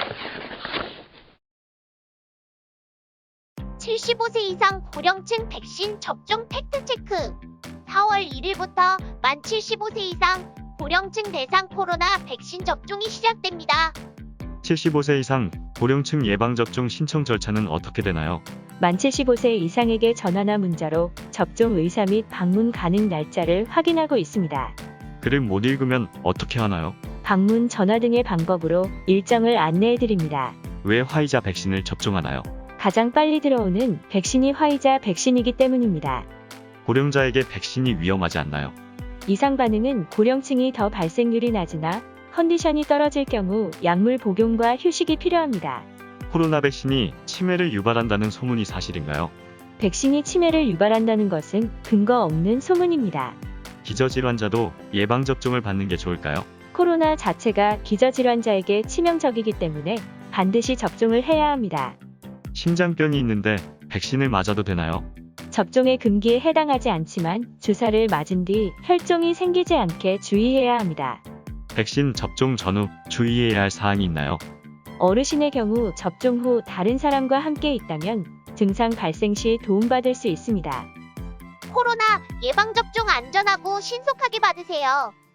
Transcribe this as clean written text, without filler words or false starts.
(75세) 이상 고령층 백신 접종 팩트체크. 4월 1일부터 만 75세 이상 고령층 대상 코로나 백신 접종이 시작됩니다. 75세 이상 고령층 예방접종 신청 절차는 어떻게 되나요? 만 75세 이상에게 전화나 문자로 접종 의사 및 방문 가능 날짜를 확인하고 있습니다. 글을 못 읽으면 어떻게 하나요? 방문, 전화 등의 방법으로 일정을 안내해드립니다. 왜 화이자 백신을 접종하나요? 가장 빨리 들어오는 백신이 화이자 백신이기 때문입니다. 고령자에게 백신이 위험하지 않나요? 이상 반응은 고령층이 더 발생률이 낮으나 컨디션이 떨어질 경우 약물 복용과 휴식이 필요합니다. 코로나 백신이 치매를 유발한다는 소문이 사실인가요? 백신이 치매를 유발한다는 것은 근거 없는 소문입니다. 기저질환자도 예방접종을 받는 게 좋을까요? 코로나 자체가 기저질환자에게 치명적이기 때문에 반드시 접종을 해야 합니다. 심장병이 있는데 백신을 맞아도 되나요? 접종의 금기에 해당하지 않지만 주사를 맞은 뒤 혈종이 생기지 않게 주의해야 합니다. 백신 접종 전후 주의해야 할 사항이 있나요? 어르신의 경우 접종 후 다른 사람과 함께 있다면 증상 발생 시 도움받을 수 있습니다. 코로나 예방접종 안전하고 신속하게 받으세요.